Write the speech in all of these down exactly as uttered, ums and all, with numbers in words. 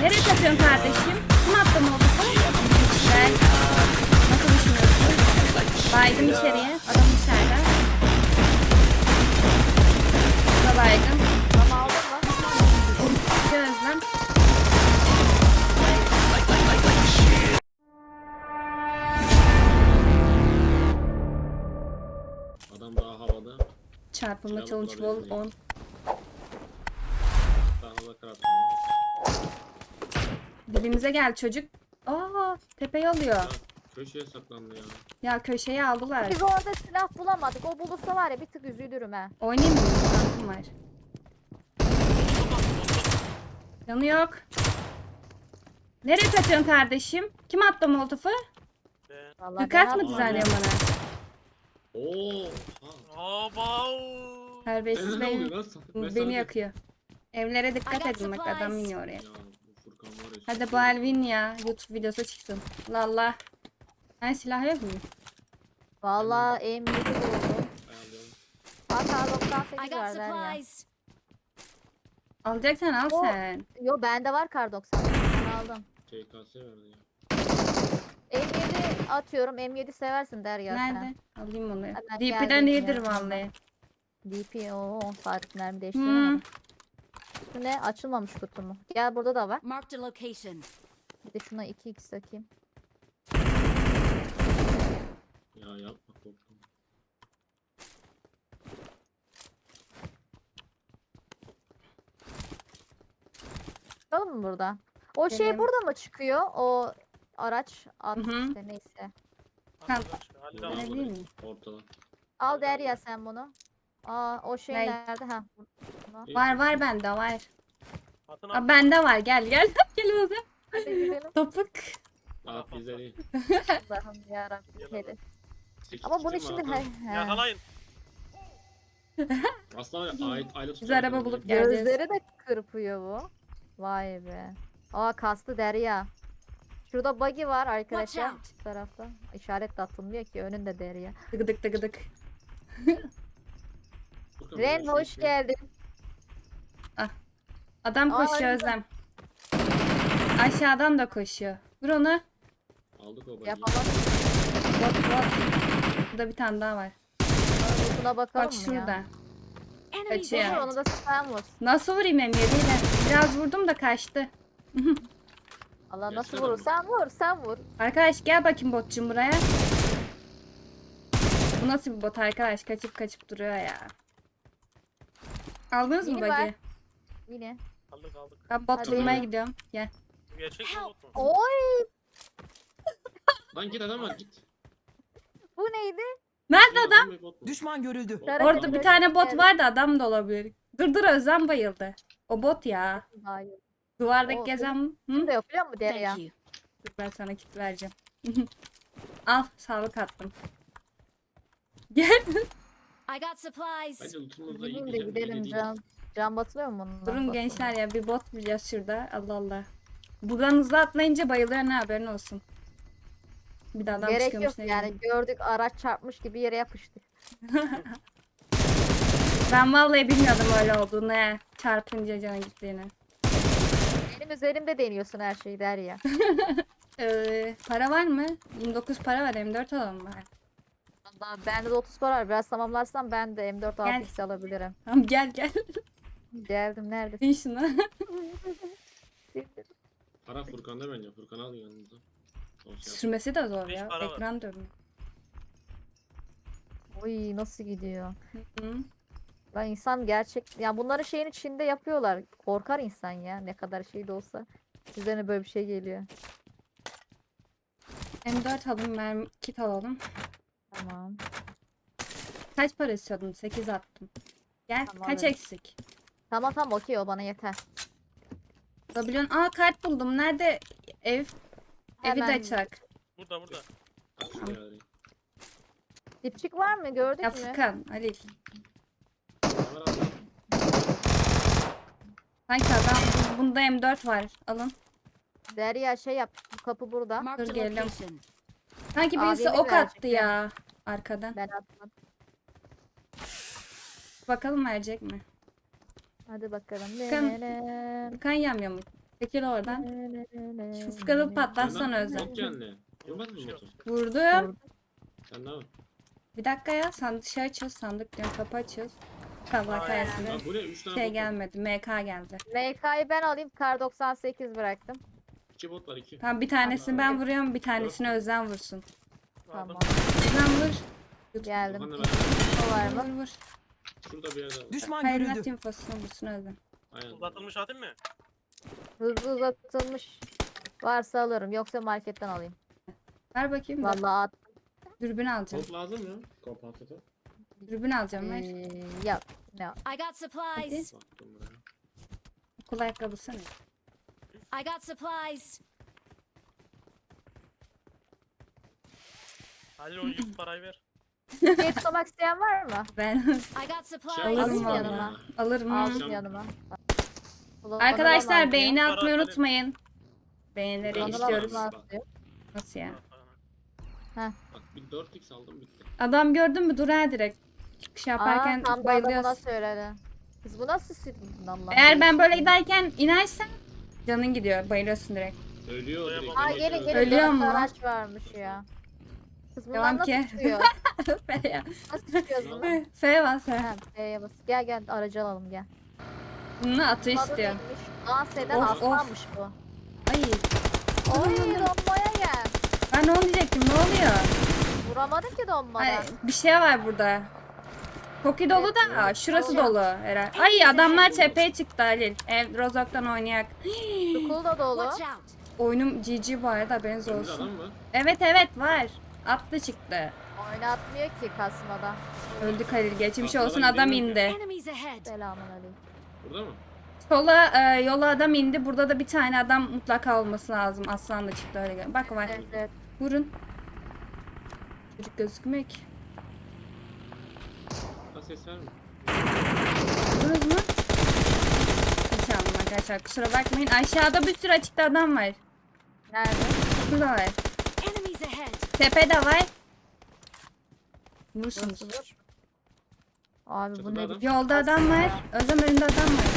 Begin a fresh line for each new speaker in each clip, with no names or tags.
Nereye kaçıyorsun kardeşim? Kim attı molotofu? Güzel. Nasıl düşünüyorsun? Baydım içeriye. Adam içeride. Bu da baygın.
Tamam aldın mı?
İki özlem.
Adam daha havada.
Çarpılma
Silahlı
challenge wall
kullanabilir
on.
Daha havada kırat.
Dibimize gel çocuk. Aa, tepeyi alıyor.
Köşeye saklandı ya.
Ya köşeye aldılar.
Biz orada silah bulamadık. O bulursa var ya bir tık üzülürüm he.
Oynayayım mı? Tankım var. Yanı yok. Nereye kaçıyorsun kardeşim? Kim attı molotofu?
Vallahi
Dikkat
ben
mı
atmadım.
düzenliyor bana?
Oo. Ha.
Abav.
Terbiyesiz
Ne
beni,
oluyor lan? Ben sana
beni
de-
yakıyor. Evlere dikkat
I got
edin bak adam
supplies.
iniyor oraya.
Ya bu Furkan var ya.
Hadi bu Elvin ya YouTube videosu çıksın. Lalla. Ben silah yok mu?
Vallahi M yedi buldum.
Ayarlayalım.
Hatta doksan
I
sekiz
got
var der ya.
supplies.
Alacaksan al
O-
sen.
Yo bende var kar doksan sekiz. Ben aldım.
K K S verdi ya.
M yedi atıyorum. M yedi seversin der ya sen.
Nerede? Alayım onu.
Hemen
D P'den
geldim
iyidir
ya.
vallahi.
D P o on saatlik mermi
Hmm.
değiştiremedim. Şu ne? Açılmamış kutu mu? Gel burada da var.
Marked a location.
Bir de şuna iki x takayım.
Ya yapma korktum.
Bakalım mı burada? O şey
Gelelim.
burada mı çıkıyor? O araç at
Hı hı.
işte neyse.
Hani
Öyle değil mi?
Ortada.
Al Derya sen bunu. Aa o şey
Ne?
nerede? Ha. Buna.
Var var bende var.
Atın
Aa, bende var gel gel. Gel hadi.
Hadi gidelim.
Topuk.
Aa pizza değil.
Allah'ım yarabbim.
Yalan.
Hele.
Sekiz
Ama bunun
kişi mi
şimdi
Hakan?
he, he.
Yakalayın.
Aslında var ya ait aile
Biz araba bulup geleceğiz.
Gözleri de kırpıyor bu. Vay be. Aa kastı Derya. Şurada buggy var arkadaşlar.
out.
Şu tarafta. İşaret de atılmıyor ki önünde Derya.
Tıgıdık tıgıdık.
Furkan,
Ren
buraya
hoş
şey-
geldin.
Adam
Aa,
koşuyor
öyle.
Özlem. Aşağıdan da koşuyor. Vur onu.
Aldık o bagiyi.
Yapamaz.
Bot bot. Burada bir tane daha var.
Buna bakalım
Bak
mı
şurada.
ya?
Enemies
Kaçıyor.
Vur,
ahead.
onu da sen vur.
Nasıl vurayım M yediyle? Biraz vurdum da kaçtı.
Allah nasıl
Yaşlı adam
vurur?
mı?
Sen vur, sen vur.
Arkadaş gel bakayım botçum buraya. Bu nasıl bir bot arkadaş? Kaçıp kaçıp duruyor ya. Aldınız mı
Mini var.
bagi?
Yine.
Aldık aldık.
Ben bot
Hadi.
bulmaya gidiyorum. Gel.
Bu gerçek mi bot mu?
Oy!
Lan git adam var git.
Bu neydi?
Nerede adam?
mı, bot mu?
Düşman görüldü.
Bot.
Nerede?
Orada bir tane bot
Evet.
var da adam da olabilir. Dur dur Özlem bayıldı. O bot ya.
Hayır.
Duvardaki
O-
gezen... Hı?
Bunu da yapıyor mu Derya?
Thank you.
Dur ben sana kit vereceğim. Al sağlık attım. Gel.
I got supplies.
Bence lootumuzda iyi
Gideyim de
güzel bir
gidelim
değil.
can. Can batılıyor mu bunun?
Durun gençler ya bir bot bulacağız şurada. Allah Allah. Buradan hızlı atlayınca bayılıyor ne haberin olsun. Bir de adam
Gerek
çıkıyormuş
yok
ne
yani
bileyim.
gördük araç çarpmış gibi yere yapıştık.
Ben vallahi bilmiyordum öyle olduğunu he. Çarpınca canı gittiğini.
Benim üzerimde deniyorsun her şeyi Derya.
Ee, para var mı? yirmi dokuz para var M dört alalım var.
Valla bende de otuz para var. Biraz tamamlarsam ben de M dört
Gel.
altı x alabilirim.
Tamam gel gel.
Geldim neredesin?
Bin şunu.
Para Furkan'da bence. Furkan al yanınıza. O şey yap.
Sürmesi de zor
Beş
ya.
para var.
Ekran dönüyor.
Oy nasıl gidiyor?
Hı.
Lan insan gerçek... Ya bunları şeyin içinde yapıyorlar. Korkar insan ya ne kadar şey de olsa. Üzerine böyle bir şey geliyor.
M dört alalım, mermi kit alalım.
Tamam.
Kaç para istiyordun? sekiz attım. Gel
Tamam,
kaç
evet.
eksik?
Tamam tamam okey o bana yeter.
Alabiliyorsun. Aa kart buldum. Nerede ev? Evi de
Hemen-
açak.
Burada burada.
Bak şuraya arayayım.
Dipçik var mı gördük
Ya
mü?
Furkan, Halil.
Var abi.
Sanki adam bunda M dört var. Alın.
Derya şey yap. Bu kapı burada.
Marked
Dur
a
gelelim.
location.
Sanki birisi
Abimi
ok attı
verecek
ya. Arkadan.
Ben atmadım.
Bakalım verecek mi?
Hadi bakalım.
Furkan-
Ne, ne, ne.
Furkan yamya mı? Çekil oradan. Şu Furkan'ı patlatsana Özlem.
Yok geldi. Vurmadın mı
Bir şey
botu?
yok.
Vurdum.
Sen de var.
Bir dakika ya, sandık şey açıyoruz, sandık diyorum, kapı açıyoruz. Allah
Ay.
kahretsin.
Lan bu ne? üç tane
Şey
bot var.
gelmedi, M K geldi.
M K'yı ben alayım. Kar doksan sekiz bıraktım.
iki bot var iki.
Tamam, bir tanesini ben vuruyorum, bir tanesini Özlem vursun.
Aldım.
Tamam.
Özlem vur.
Geldim.
Okan'la beraber.
O var
Vur
mı?
vur.
Şurada bir yerde var.
Düşman
Hayır,
görüldü.
infosunu vursun Özlem.
Aynen.
Uzatılmış atayım mı?
Hızlı uzatılmış varsa alırım. Yoksa marketten alayım.
Ver bakayım da.
Vallahi at.
Dürbün alacağım.
Komp lazım mı? Kompansatör.
Dürbün alacağım, ver.
Ee, yok. No.
I got supplies.
Baktım buraya.
Okul ayakkabısı ne?
I got supplies.
Halil o yüz parayı ver.
Şey tutmak isteyen var mı?
Ben
I got supplies.
Şey
Alırım
Alayım
vallahi.
yanıma.
alırım.
Aldım
Akşam-
yanıma. Ulan
Arkadaşlar
bana
beğeni
Para
atmayı
atarım.
unutmayın. Beğenileri
Bana
istiyoruz.
lazım.
atıyor.
Nasıl ya?
Bak bir dört x aldım bitti.
Adam gördün mü? Dur ha direkt. Çıkış yaparken
Aa, tam da adamına
bayılıyoruz.
söyledi. Biz bu nasıl süt lan lan?
Eğer ben böyle giderken inersen canın gidiyor. Bayılıyorsun direkt.
Ölüyor direkt.
Aa
yemek
gelin
yiyor.
gelin.
Ölüyor
Ölüyor
mu?
Araç varmış ya. Kız bunlar
Devam
nasıl
ki.
çıkıyor?
F ya.
Nasıl çıkıyoruz bunu?
F var F.
Ha, F'ye bas. Gel gel aracı alalım gel.
Bunu atı
Adı
istiyor.
neymiş? Dans eden
Of,
aslanmış bu.
Ay.
Oy donmaya gel.
Ben onu diyecektim. Ne oluyor?
Vuramadım ki donmadan.
Ay, bir şey var burada. Koki dolu da şurası
Dolu.
dolu herhalde. Ay adamlar tepeye çıktı Halil. Ev Rozok'tan oynayak.
Sukul da dolu.
Watch out.
Oyunum G G bu arada, haberiniz
Önümüzde
olsun.
adam mı?
Evet evet var. Atlı çıktı.
Oynatmıyor ki kasmadan.
Öldük Halil. Geçmiş
Atladan
olsun, adam
gidelim mi?
indi.
Enemies ahead.
Selamun aleyküm.
Burada mı?
Sola e, yola adam indi. Burada da bir tane adam mutlaka olması lazım. Aslan da çıktı öyle. gel- Bak var.
Evet evet.
Vurun. Çocuk gözükmüyor ki.
Ha ses verme.
Vururuz mu? Kaçalım arkadaşlar. Kusura bakmayın. Aşağıda bir sürü açıkta adam var.
Nerede?
Burada var.
Enemies ahead.
Tepede var. Vursunuz.
Nasıl vur? Abi bu
Çatıda
ne
adam.
biçim
Yolda
kas
adam var.
ya?
Özlem önünde adam var.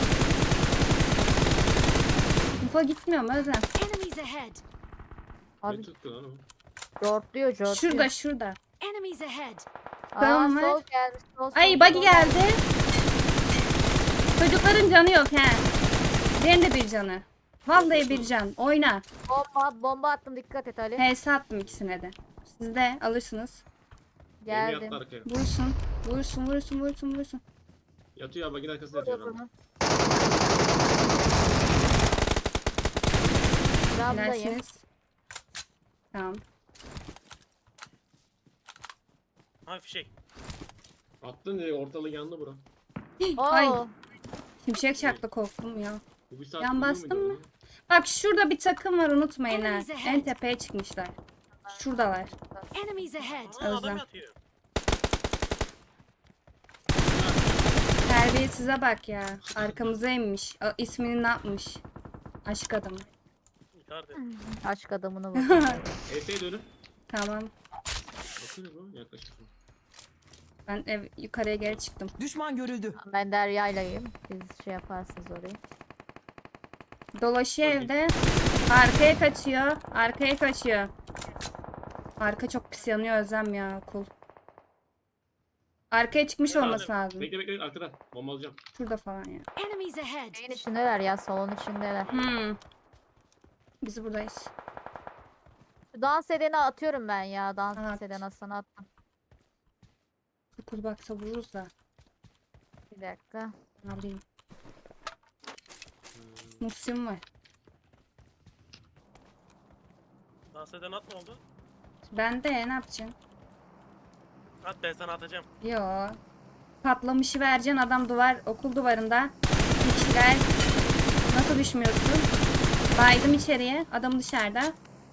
Info gitmiyor mu Özlem?
Enemies ahead.
Ne
Abi
tuttu lan o?
jortluyor jortluyor.
Şurada şurada.
Enemies ahead.
Aa
Tamam,
sol
var.
gelmiş sol sol.
Ay
sol.
buggy geldi. Çocukların canı yok he. Benim de bir canı. Vallahi bir can. Oyna.
Bomba, bomba attım dikkat et Ali.
H S attım ikisine de. Siz de alırsınız.
Gemi
Geldim.
yattı arkaya.
Vursun. Vursun vursun vursun vursun.
Yatıyor ya bagin arkasında yatıyor adam.
Ramdayım.
Dilerseniz. Tamam.
Ha fişek.
Attın diye ortalığı yandı bura.
Ay.
Oo.
Şimşek çaktı, korktum ya.
Bu bir saat
Yan
uyuyor
bastın
muydu
mı?
orada?
Bak şurada bir takım var, unutmayın ha.
Enemies ahead.
En tepeye çıkmışlar. Şuradalar.
Enemies ahead.
Aa,
Özlem.
adam yatıyor.
Terbiyesize bak ya. Arkamıza inmiş. A, ismini ne yapmış? Aşk adamı.
Icardi.
Aşk adamını vurdum.
E S'ye dönün.
Tamam.
Bakın bu yaklaşık.
Ben ev yukarıya geri çıktım.
Düşman görüldü.
Ben Derya'ylayım. Siz şey yaparsınız orayı.
Dolaşıyor
Okey.
evde. Arkaya kaçıyor. Arkaya kaçıyor. Arka çok pis yanıyor Özlem ya, okul. Arkaya çıkmış
Nerede?
olması lazım.
Bekle bekle arkada. Bomba alacağım.
Şurada falan ya.
Enemies ahead.
Şeyin içindeler ya salon içindeler.
Hmm. Biz buradayız.
Şu dans edeni atıyorum ben ya. Dans
At.
eden Hasan'ı attım.
Okul baksa vururuz da.
Bir dakika.
Ne bileyim. Musim var.
Dans eden at ne oldu?
Ben de ne yapacağım?
At ben sana atacağım.
Yo. Patlamışı vereceksin, adam duvar, okul duvarında. Bir kişiler. Nasıl düşmüyorsun? Baydım içeriye. Adam dışarıda.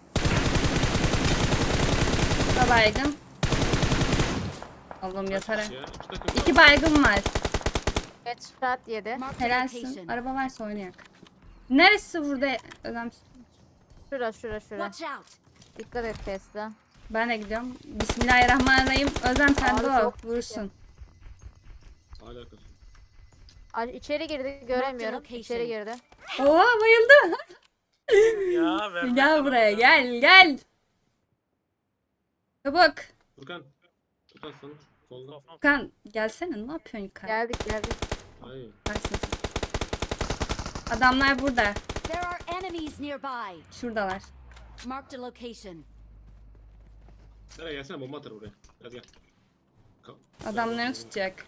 Da baygın. Allah'ım yatar.
Kaç kişi ya? İki takım.
İki baygın var.
Headshot yedi.
Mark the
Helalsin.
location.
Araba varsa oynayak. Neresi burada? Özlem.
Şura şura şura.
Watch out.
Dikkat et Tesla.
Ben de gidiyorum. Bismillahirrahmanirrahim. Özlem sen
Abi
de o.
çok
Vurursun.
Hala arkası.
Ay, içeri girdi göremiyorum.
location.
İçeri girdi.
Oha bayıldı.
Ya vermezsen
Gel buraya
alacağım.
gel gel. Çabuk.
Furkan. Furkan sana solda.
Kafam.
Kan gelsene ne yapıyorsun yukarı?
Geldik geldik.
Hayır.
Versin. Adamlar burada.
There are enemies nearby.
Şuradalar.
Marked a location.
Nereye gelsene bomba atar buraya. Hadi gel. Ka-
Adamlarını tutacak.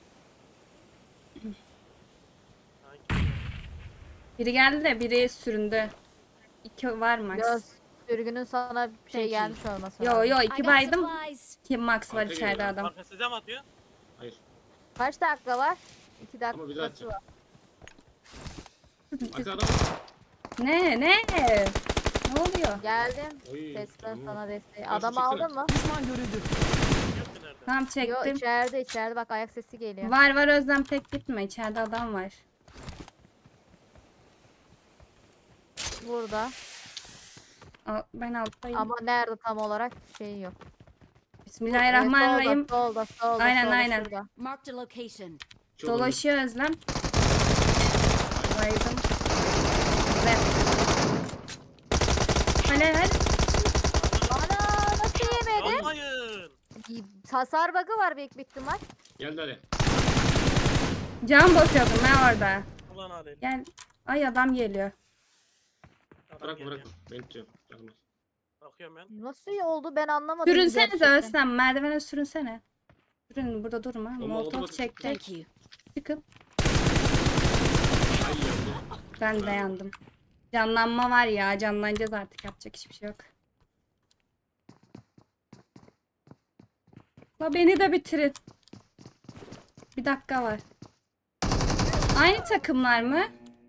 Hangi?
Biri geldi de biri süründü. İki var max.
Göz sürgünün sana bir şey
Peki.
gelmiş olması
Yo
lazım.
yo
I
iki
got
baydım.
supplies.
İki max var
Arka
içeride
geliyor.
adam.
Arka size mi atıyor?
Hayır.
Kaç dakika var? İki
Ama bir daha
dakikası var.
Arka adam.
Ne ne? Ne oluyor?
Geldim.
Oy.
Tesla
tamam.
sana desteği.
Karşı
Adamı
çeksene.
aldın mı?
Yok ki nerede?
Tamam
Yo
çektim.
içeride içeride bak ayak sesi geliyor.
Var var Özlem tek gitme. İçeride adam var.
Burada.
Al- Ben alttayım.
Ama nerede tam olarak şey yok.
Bismillahirrahmanirrahim.
Ee, Solda, solda, solda,
Aynen,
solda,
aynen.
şurada.
Marked a location.
Çok
Dolaşıyor Özlem. Baydım. Güzel. Hadi hadi.
Ana nasıl yemedi?
Yapmayın.
Hasar bug'ı var büyük bir ihtimal.
Geldi hadi.
Can basıyordum ben orada.
Ulan Adel.
Gel. Ay adam geliyor.
Adam
Bırakma
geliyor.
bırakma. Beni tutuyor. Gelmez.
Bakıyorum ben.
Nasıl oldu ben anlamadım.
Sürünsene de
gerçekten.
Özlem. Merdivene sürünsene. Sürün burada durma.
Ama
Molotov
oldu.
çektik.
Thank you.
Çıkın.
Ay yandı.
Ben de yandım. Canlanma var ya. Canlanacağız artık. Yapacak hiçbir şey yok. La beni de bitirin. Bir dakika var. Aynı takımlar mı?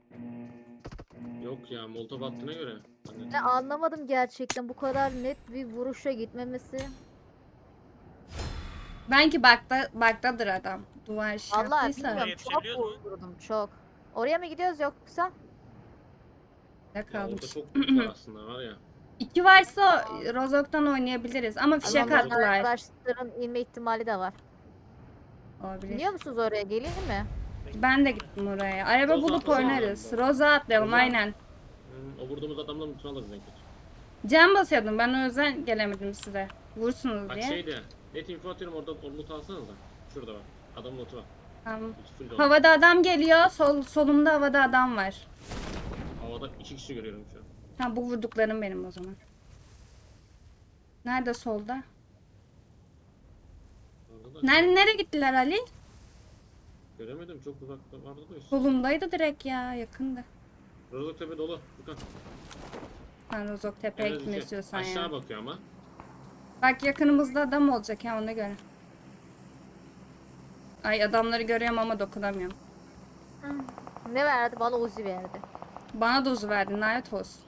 Yok ya molotov attığına göre. Hani
Ben anlamadım gerçekten bu kadar net bir vuruşa gitmemesi.
Belki bakta, baktadır adam. Duvar şey
Vallahi
yaptıysa.
bilmiyorum çok
Yetişebiliyoruz mu?
vurdum çok. Oraya mı gidiyoruz yoksa?
Ne
ya orada
kalmış.
çok büyük var aslında var ya.
İki varsa Rozok'tan oynayabiliriz. Ama fişek
Ama
attılar.
arkadaşların inme ihtimali de var.
Olabilir.
Biliyor musunuz oraya geleyim mi?
Ben de gittim oraya. Araba
Roza
bulup
atlasana
oynarız.
oradan.
Roza atlayalım
Roza.
aynen.
Hmm, o vurduğumuz adamların mutunu alırız en kötü.
Cam basıyordum. Ben o yüzden gelemedim size. Vursunuz
Bak
diye.
şeydi. Net info atıyorum orada o loot alsanıza. Şurada var. Adam lootu var.
Tamam.
İki full dolu.
Havada adam geliyor. Sol, solumda havada adam var.
Havada iki kişi görüyorum şu an.
Ha bu vurduklarım benim o zaman. Nerede solda?
Orada da
Nerede nereye gittiler Ali?
göremedim çok uzakta vardı da üstü.
Solumdaydı direkt ya, yakındı.
Rozok tepe dolu. Furkan.
Sen Rozok Tepe'ye
En az
gitmek
iki.
istiyorsan
Aşağı
ya.
bakıyor ama.
Bak yakınımızda adam olacak ya ona göre. Ay adamları görüyorum ama dokunamıyorum.
Ne verdi? Bana Uzi verdi.
Bana dozu verdin lanet olsun.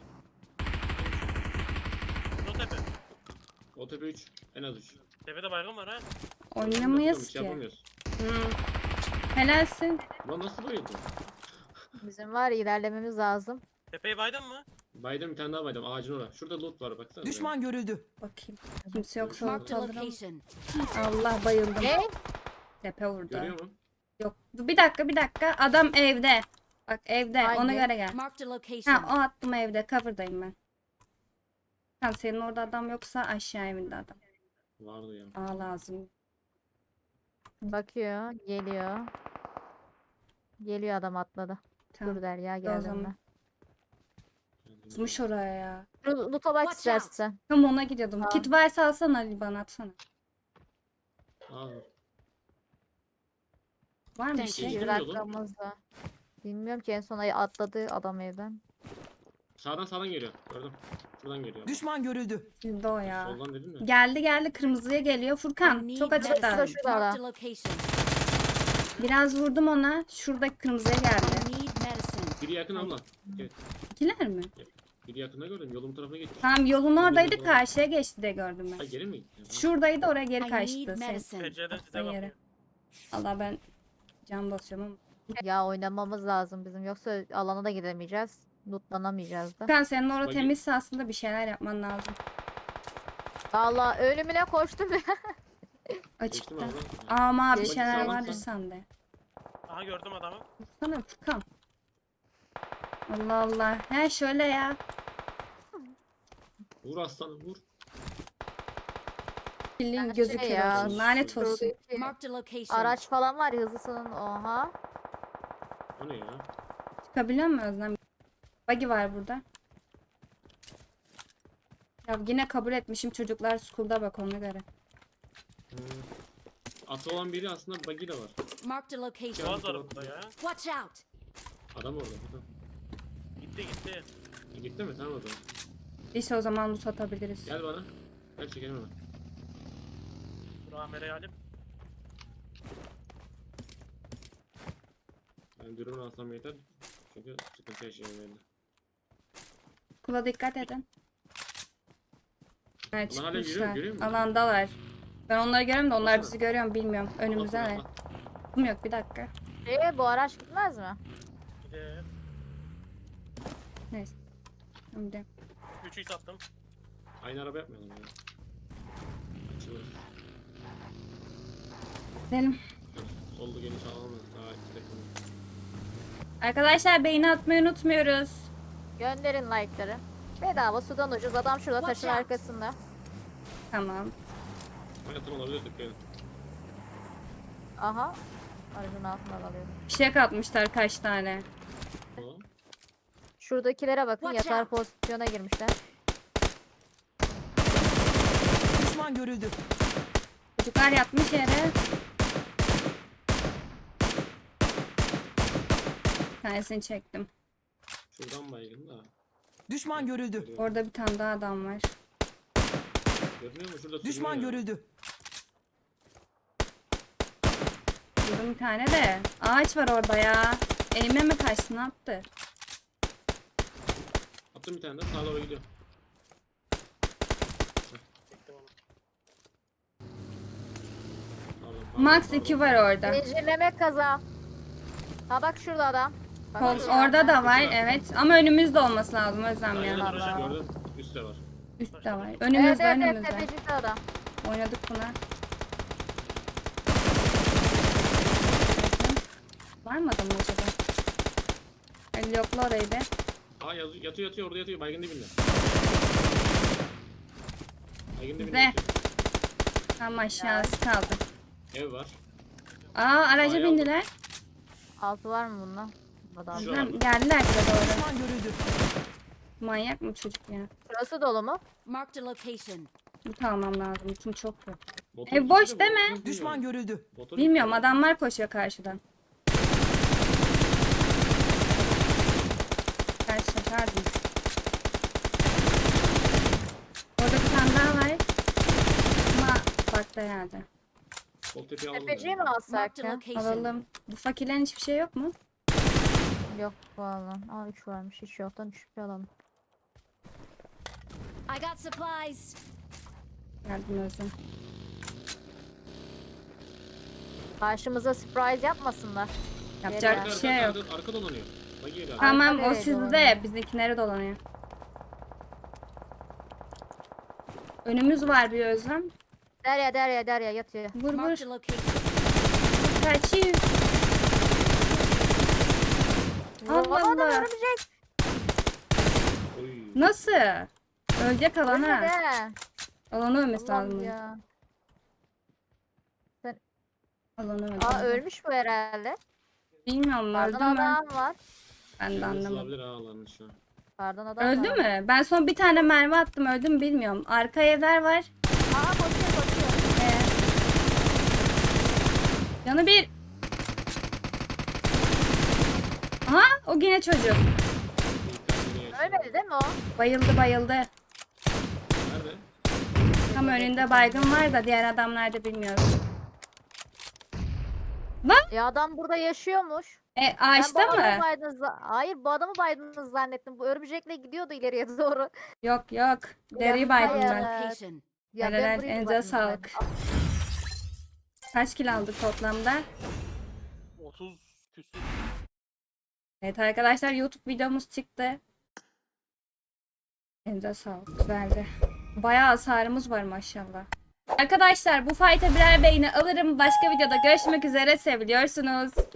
O tepe.
O tepe üç. En az üç.
Tepede baygın var ha.
Oynamayız
Hiç
ki.
yapamıyoruz.
Hmm. Helalsin.
Lan nasıl bayıldı?
Bizim var ya, ilerlememiz lazım.
Tepeyi baydın mı?
Baydım bir tane daha baydım ağacın orada. Şurada loot var baksana.
Düşman görüldü.
Bakayım. Kimse yoksa
Marked
orta
a
alırım.
location.
Allah bayıldım.
Ne?
Tepe vurdu.
Görüyor mu?
Yok. Dur bir dakika bir dakika. Adam evde. Bak evde.
Hangi?
Ona göre gel.
Marked a
Ha
location.
o attım evde. Cover'dayım ben. Tamam senin orada adam yoksa aşağı evinde adam.
Vardı ya.
Aa lazım.
Bakıyor, geliyor. Geliyor adam atladı.
Tamam.
Dur der ya
o
geldim
zaman.
ben.
Tutmuş oraya ya.
Ru- Loot'a bak
Watch out.
istersen.
Tam ona gidiyordum.
Tamam.
Kit varsa alsana Ali bana atsana.
Aa,
Var mı bir
Thank
şey?
you.
Bir
Bilmiyorum.
dakikamız var. Bilmiyorum ki en son ay atladı adam evden.
sağdan sağdan geliyor. Gördüm. Şuradan geliyor.
Düşman görüldü.
Sizde o ya.
Soldan dedim ya.
Geldi geldi kırmızıya geliyor.
I
Furkan
need
çok
medicine.
açıkta.
Şurada.
Marked a location.
Biraz vurdum ona. Şuradaki kırmızıya
I
geldi.
need medicine.
Biri yakın abla. Evet.
İkiler mi?
Biri yakında gördüm. Yolun tarafına geçti.
Tamam yolun oradaydı
Doğru.
karşıya geçti diye gördüm
Ha
ben.
geri mi gitti?
Şuradaydı oraya geri
I
kaçtı.
need
Sen.
medicine.
Pencereden size
Yere.
bakıyor.
Allah ben can basıyorum ama.
Ya oynamamız lazım bizim yoksa alana da gidemeyeceğiz. Lootlanamayacağız da.
Furkan senin orada
Bagi-
temizse aslında bir şeyler yapman lazım.
Valla ölümüne koştum ya.
Geçtim
Açıkta.
abla.
Ama bir
Geçti
şeyler
ama.
vardır sende.
Aha gördüm adamı.
Sana Furkan. Allah Allah. He şöyle ya.
Vur aslanım vur.
Bildiğin
Her
gözü
şey
kör
ya.
olsun. Lanet olsun.
Şuradaki
Marked a location.
araç falan var ya hızlısının. Oha.
O ne ya?
Çıkabiliyor mu Özlem? Buggy var burada. Ya yine kabul etmişim çocuklar school'da bak ona göre.
Hmm. Atı olan biri aslında buggy de var.
Marked a location.
Boğaz var burada ya.
Watch out.
Adam orada. Tamam.
Gitti gitti.
E, gitti mi? Tamam o zaman.
İşte o zaman loot atabiliriz.
Gel bana. Gel çekelim hemen.
Dur Amer'e alayım.
Ben dürümünü alsam yeter. Çünkü sıkıntı yaşayayım belli.
Kula dikkat edin. Evet
Ulan hala görüyor-
çıkmışlar.
görüyor musun?
Alandalar. Ben onları görüyorum da onlar
Baksana.
bizi görüyor mu bilmiyorum. Önümüzde
Atla,
ne?
atla.
Kum yok bir dakika.
Ee, bu araç gitmez mi?
Bir de
Neyse. Şimdi.
üçü sattım.
Aynı araba yapmayalım ya. Açılır.
Gidelim.
Solda geniş alalım. Daha istek olur.
Arkadaşlar beğeni atmayı unutmuyoruz.
Gönderin like'ları. Bedava sudan ucuz. Adam şurada
Watch
taşın
out.
arkasında.
Tamam.
Hayatım olabilir dikkat edin.
Aha. Aracın altından alıyorum.
Fişek atmışlar kaç tane.
Tamam.
Şuradakilere bakın.
Watch
Yatar
out.
pozisyona girmişler.
Düşman görüldü.
Çocuklar yatmış yere. Bir tanesini çektim.
Şuradan baygın da.
Düşman görüldü.
Görüyor,
Orada bir tane daha adam var.
görünüyor mu? Şurada
Düşman
sürünüyor ya.
görüldü.
Burada bir tane de. Ağaç var orada ya. Eğime mi kaçtı ne yaptı?
Attım bir tane de sağa doğru gidiyor.
Çektim onu.
Pardon, pardon,
Max
pardon.
iki var orada.
Zincirleme kaza. Ha bak şurada adam. Bak
Kol,
şurada.
orada da var evet. Ama önümüzde olması lazım Özlem
Aynen,
ya.
Allah.
gördüm. Üstte var.
Üstte var.
Evet
Önümüzde
evet evet
önümüzde.
tepecikte adam.
Oynadık buna. Var mı adam acaba? El yokla orayı be.
Aa yaz- yatıyor yatıyor orada yatıyor baygın dibinde. Baygın dibinde
Ne?
yatıyor.
Tam aşağısı kaldı.
Ev var.
Aa araca
Bayağı
bindiler.
Altı var mı bunda? Adam.
Şu-
Özlem, geldiler bize doğru.
Düşman görüldü.
Manyak mı çocuk ya?
Şurası dolu mu?
Marked a location.
Bu almam lazım. İçim çok yok.
Motor
Ev boş
gitti de
değil
bu-
mi?
bilmiyorum.
Düşman görüldü.
Motor
Bilmiyorum
gitti.
adamlar koşuyor karşıdan. Karşı pardon. Orada bir tane daha var. Ama baktı herhalde.
Sol tepeyi alalım.
Tepeciyi mi
yani.
alsak
Marked a
ya?
location.
Alalım. Bu fakirlerin hiçbir şey yok mu?
Yok valla. Aa üç varmış. Hiç yoktan üç bir alalım.
I got supplies.
Geldim Özlem.
Karşımıza surprise yapmasınlar.
Yapacak
Geri
bir
Arka,
şey yok.
arka, arka dolanıyor. Bagiye galiba.
Tamam
Arka
o
nereye
sizde.
dolanıyor?
Bizimkileri dolanıyor. Önümüz var bir Özlem.
Derya Derya Derya yatıyor.
Vur vur.
Marked a location.
Kaçıyor. Allah
Vuramadım,
Allah.
örümcek.
Oy.
Nasıl? Ölecek alan
Ölmedi
ha.
he.
Alanı ölmesi
Allah'ım
lazım.
ya.
Alanı öldü.
Aa ölmüş bu herhalde.
Bilmiyorum öldü
Pardon
mü?
adam var.
Ben de
Yalnız
anlamadım.
olabilir ha Allah'ın şu an.
Pardon adam
Öldü
var.
mü? Ben son bir tane mermi attım öldü mü bilmiyorum. Arka evler var.
Aa koşuyor koşuyor.
Ee, Canı bir. Aha o yine çocuk.
İyi, kendini yaşa.
Ölmedi değil mi o?
Bayıldı bayıldı.
Nerede?
Tam önünde baygın var da diğer adamlar da bilmiyorum.
Ya adam burada yaşıyormuş.
E
Ben bu
ağaçta
adamı
mı?
baydınız za- Hayır bu adamı baydınız zannettim. Bu örümcekle gidiyordu ileriye doğru.
Yok yok. Deri baydım
hayır.
ben.
Location.
Ya
Helal,
ben burayı
elinize
baydım
sağlık.
zannettim.
Kaç kilo aldık toplamda?
otuz küsür.
Evet arkadaşlar YouTube videomuz çıktı. Elinize sağlık. Güzeldi. Bayağı hasarımız var maşallah. Arkadaşlar bu fight'a birer beğeni alırım. Başka videoda görüşmek üzere. Seviliyorsunuz.